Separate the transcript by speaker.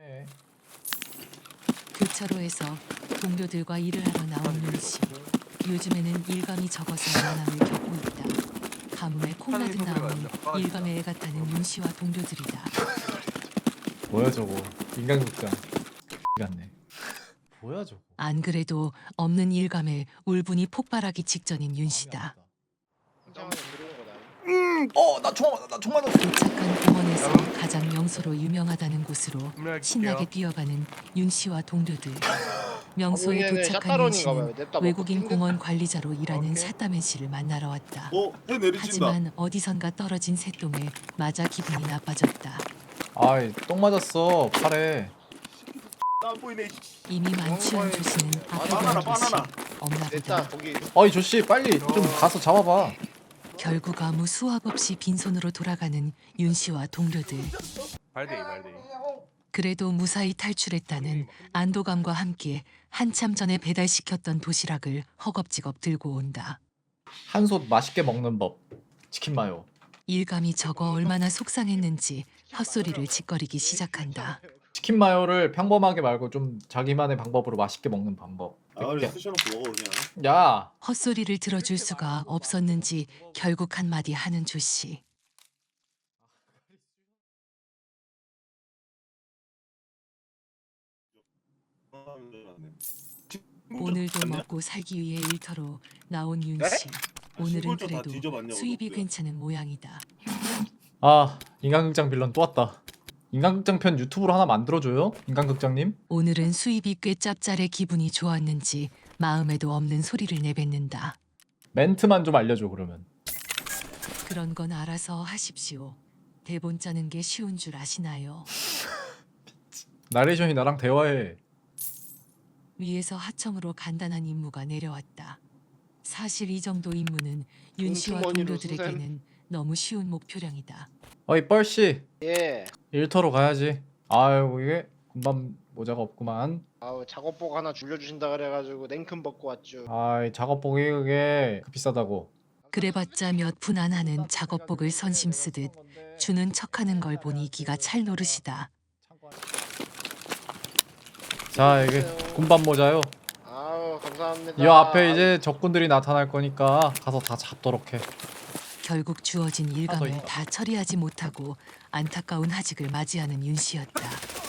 Speaker 1: 네.
Speaker 2: 교차로에서 동료들과 일을 하러 나온 윤씨. 요즘에는 일감이 적어서 난항을 겪고 있다. 가뭄에 콩나듯 나오는 일감의 애 같다는 윤씨와 동료들이다.
Speaker 1: 뭐야 저거 인간극장 같네. 뭐야 저거.
Speaker 2: 안 그래도 없는 일감에 울분이 폭발하기 직전인 윤씨다.
Speaker 1: 나 총 맞았어.
Speaker 2: 도착한 공원에서 가장 명소로 유명하다는 곳으로 신나게 뛰어가는 윤씨와 동료들. 명소에 도착한 윤씨는 외국인 공원 관리자로 일하는 샤따맨 씨를 만나러 왔다.
Speaker 3: 해 내리친다.
Speaker 2: 하지만 어디선가 떨어진 새똥에 맞아 기분이 나빠졌다.
Speaker 1: 아이 똥 맞았어 팔에.
Speaker 3: 안 보이네.
Speaker 2: 이미 만취한 조씨는
Speaker 3: 바나나,
Speaker 2: 아프다는 듯이
Speaker 3: 바나나.
Speaker 2: 없나
Speaker 4: 됐다
Speaker 2: 보다.
Speaker 4: 거기.
Speaker 1: 어이 조씨 빨리 좀 가서 잡아봐.
Speaker 2: 결국 아무 수확 없이 빈손으로 돌아가는 윤씨와 동료들.
Speaker 3: 발데이.
Speaker 2: 그래도 무사히 탈출했다는 안도감과 함께 한참 전에 배달시켰던 도시락을 허겁지겁 들고 온다.
Speaker 1: 한솥 맛있게 먹는 법. 치킨 마요.
Speaker 2: 일감이 적어 얼마나 속상했는지 헛소리를 짓거리기 시작한다.
Speaker 1: 치킨 마요를 평범하게 말고 좀 자기만의 방법으로 맛있게 먹는 방법.
Speaker 3: 그래 쑤셔놓고 먹어 그냥.
Speaker 1: 야
Speaker 2: 헛소리를 들어줄 수가 없었는지 결국 한마디 하는 조씨. 오늘도 먹고 살기 위해 일터로 나온 윤씨. 오늘은
Speaker 3: 신분증 다
Speaker 2: 그래도
Speaker 3: 뒤져봤냐고,
Speaker 2: 수입이
Speaker 3: 너구야.
Speaker 2: 괜찮은 모양이다.
Speaker 1: 아 인간극장 빌런 또 왔다. 인간극장 편 유튜브로 하나 만들어줘요 인간극장님.
Speaker 2: 오늘은 수입이 꽤 짭짤해 기분이 좋았는지 마음에도 없는 소리를 내뱉는다.
Speaker 1: 멘트만 좀 알려줘 그러면.
Speaker 2: 그런 건 알아서 하십시오. 대본 짜는 게 쉬운 줄 아시나요?
Speaker 1: 나레이션이 나랑 대화해.
Speaker 2: 위에서 하청으로 간단한 임무가 내려왔다. 사실 이 정도 임무는 윤 씨와
Speaker 4: 꽁충머니로
Speaker 2: 동료들에게는 너무 쉬운 목표량이다.
Speaker 1: 어이 뻘씨
Speaker 4: 예.
Speaker 1: 일터로 가야지. 아유 이게 군밤 모자가 없구만.
Speaker 4: 아우 작업복 하나 줄여주신다 그래가지고 냉큼 벗고 왔죠.
Speaker 1: 아이 작업복이 그게 비싸다고.
Speaker 2: 그래봤자 몇 푼 안 하는 작업복을 선심 쓰듯 주는 척하는 걸 보니 기가 찰 노릇이다.
Speaker 1: 자 이게 군밤 모자요.
Speaker 4: 아우 감사합니다.
Speaker 1: 이 앞에 이제 적군들이 나타날 거니까 가서 다 잡도록 해.
Speaker 2: 결국 주어진 일감을
Speaker 1: 있다.
Speaker 2: 다 처리하지 못하고 안타까운 하직을 맞이하는 윤 씨였다.